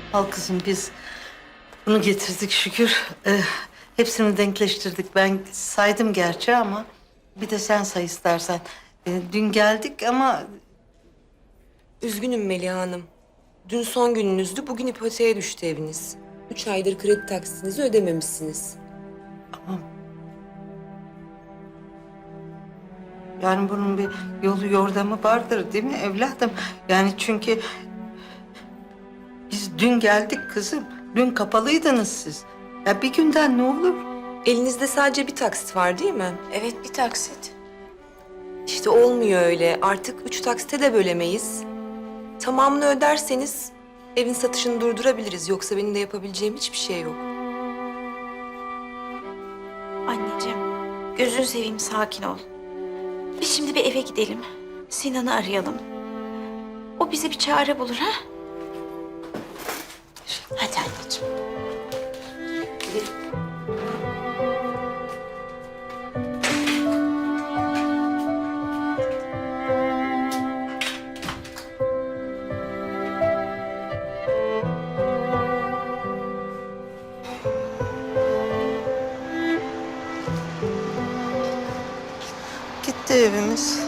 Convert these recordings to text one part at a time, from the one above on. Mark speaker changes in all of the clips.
Speaker 1: Al kızım biz bunu getirdik şükür. Hepsini denkleştirdik. Ben saydım gerçi ama bir de sen say istersen. Dün geldik ama
Speaker 2: Üzgünüm Meliha Hanım. Dün son gününüzdü, bugün ipoteğe düştü eviniz. 3 aydır kredi taksitinizi ödememişsiniz.
Speaker 1: yani bunun bir yolu yordamı vardır değil mi evladım? Yani çünkü biz dün geldik kızım. Dün kapalıydınız siz. Ya bir günden ne olur?
Speaker 2: Elinizde sadece bir taksit var değil mi?
Speaker 3: Evet, bir taksit.
Speaker 2: İşte olmuyor öyle. Artık 3 taksite de bölemeyiz. Tamamını öderseniz evin satışını durdurabiliriz. Yoksa benim de yapabileceğim hiçbir şey yok.
Speaker 3: Anneciğim, gözünü seveyim, sakin ol. Biz şimdi bir eve gidelim. Sinan'ı arayalım. O bize bir çare bulur, ha? Hadi anneciğim.
Speaker 1: Gitti evimiz.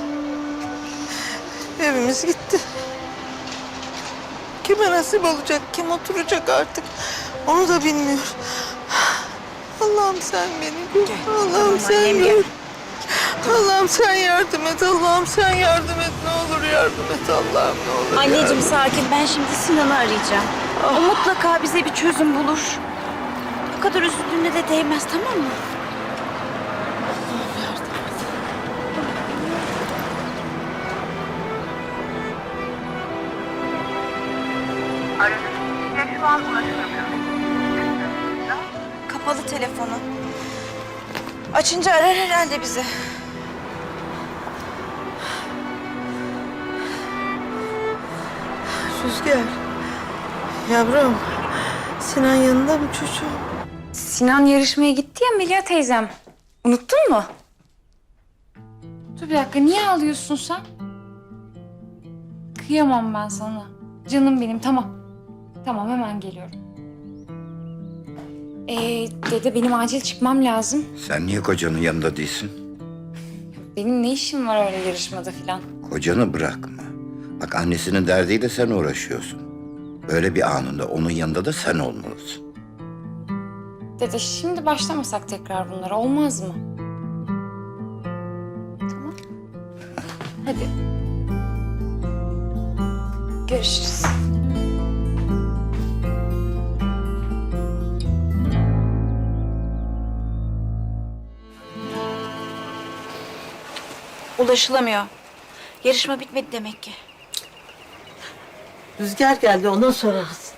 Speaker 1: Evimiz gitti. Kime nasip olacak, kim oturacak artık onu da bilmiyor. Allah'ım sen beni gör. Allah'ım sen gör. Allah'ım sen yardım et. Allah'ım sen yardım et. Ne olur yardım et Allah'ım ne olur.
Speaker 3: Anneciğim sakin, ben şimdi Sinan'ı arayacağım. O mutlaka bize bir çözüm bulur. Bu kadar üzüldüğüne de değmez, tamam mı?
Speaker 4: Aradığınız kişiye şu an ulaşılamıyor.
Speaker 3: Kapalı telefonu. Açınca arar herhalde bizi.
Speaker 1: Rüzgar. Yavrum. Sinan yanında mı çocuğum?
Speaker 5: Sinan yarışmaya gitti ya Melia teyzem. Unuttun mu? Dur bir dakika, niye ağlıyorsun sen? Kıyamam ben sana. Canım benim, tamam. Tamam, hemen geliyorum. Dede benim acil çıkmam lazım.
Speaker 6: Sen niye kocanın yanında değilsin?
Speaker 5: Benim ne işim var öyle yarışmada falan?
Speaker 6: Kocanı bırakma. Bak annesinin derdiyle sen uğraşıyorsun. Böyle bir anında onun yanında da sen olmalısın.
Speaker 5: Dede şimdi başlamasak tekrar bunlara olmaz mı? Tamam. Hadi. Görüşürüz.
Speaker 3: Ulaşılamıyor. Yarışma bitmedi demek ki.
Speaker 1: Rüzgar geldi ondan sorarız.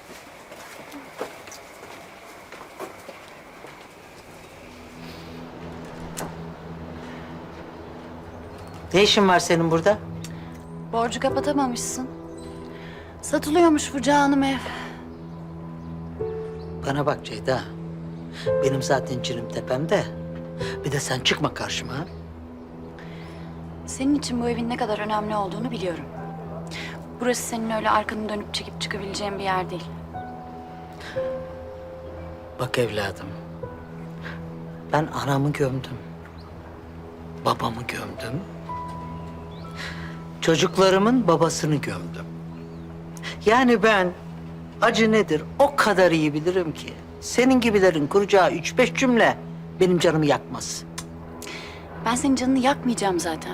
Speaker 1: Ne işin var senin burada?
Speaker 7: Borcu kapatamamışsın. Satılıyormuş bu canım ev.
Speaker 1: Bana bak Ceyda. Benim zaten cinim tepemde. Bir de sen çıkma karşıma. Ha?
Speaker 7: Senin için bu evin ne kadar önemli olduğunu biliyorum. Burası senin öyle arkanı dönüp çekip çıkabileceğin bir yer değil.
Speaker 1: Bak evladım. Ben anamı gömdüm. Babamı gömdüm. Çocuklarımın babasını gömdüm. Yani ben acı nedir o kadar iyi bilirim ki. Senin gibilerin kuracağı 3-5 cümle benim canımı yakmaz.
Speaker 7: Ben senin canını yakmayacağım zaten.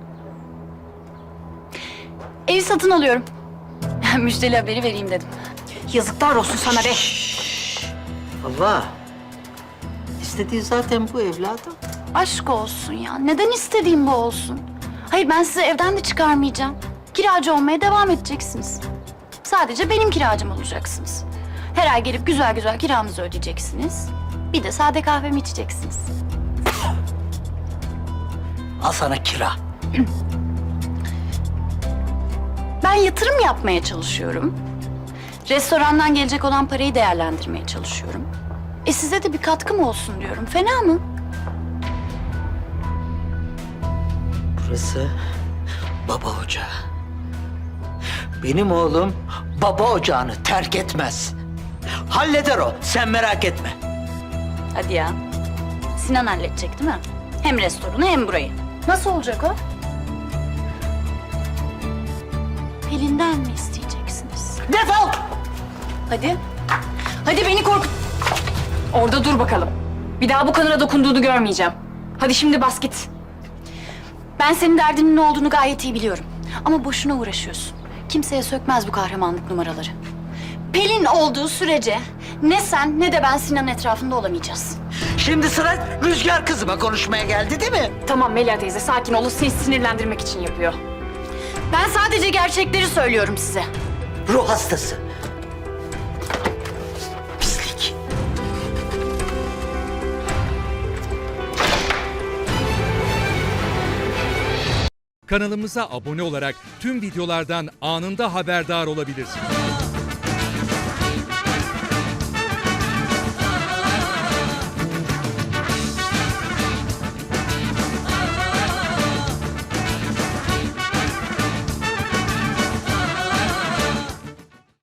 Speaker 7: Evi satın alıyorum. Müjdeli haberi vereyim dedim.
Speaker 3: Yazıklar olsun sana be.
Speaker 1: Allah. İstediği zaten bu evladım.
Speaker 7: Aşk olsun ya. Neden istediğim bu olsun? Hayır, ben sizi evden de çıkarmayacağım. Kiracı olmaya devam edeceksiniz. Sadece benim kiracım olacaksınız. Her ay gelip güzel güzel kiranızı ödeyeceksiniz. Bir de sade kahvemi içeceksiniz.
Speaker 1: Al sana kira.
Speaker 7: Ben yatırım yapmaya çalışıyorum. Restorandan gelecek olan parayı değerlendirmeye çalışıyorum. Size de bir katkım olsun diyorum. Fena mı?
Speaker 1: Burası baba ocağı. Benim oğlum baba ocağını terk etmez.
Speaker 8: Halleder o. Sen merak etme.
Speaker 7: Hadi ya. Sinan halledecek değil mi? Hem restoranı hem burayı. Nasıl olacak o? Pelin'den mi isteyeceksiniz?
Speaker 8: Defol!
Speaker 7: Hadi. Hadi beni korkut.
Speaker 5: Orada dur bakalım. Bir daha bu kanıra dokunduğunu görmeyeceğim. Hadi şimdi bas git.
Speaker 7: Ben senin derdinin ne olduğunu gayet iyi biliyorum. Ama boşuna uğraşıyorsun. Kimseye sökmez bu kahramanlık numaraları. Pelin olduğu sürece ne sen ne de ben Sinan'ın etrafında olamayacağız.
Speaker 8: Şimdi sıra Rüzgar kızıma konuşmaya geldi değil mi?
Speaker 5: Tamam Melia teyze sakin ol. O seni sinirlendirmek için yapıyor.
Speaker 7: Ben sadece gerçekleri söylüyorum size.
Speaker 8: Ruh hastası. Pislik.
Speaker 9: Kanalımıza abone olarak tüm videolardan anında haberdar olabilirsiniz.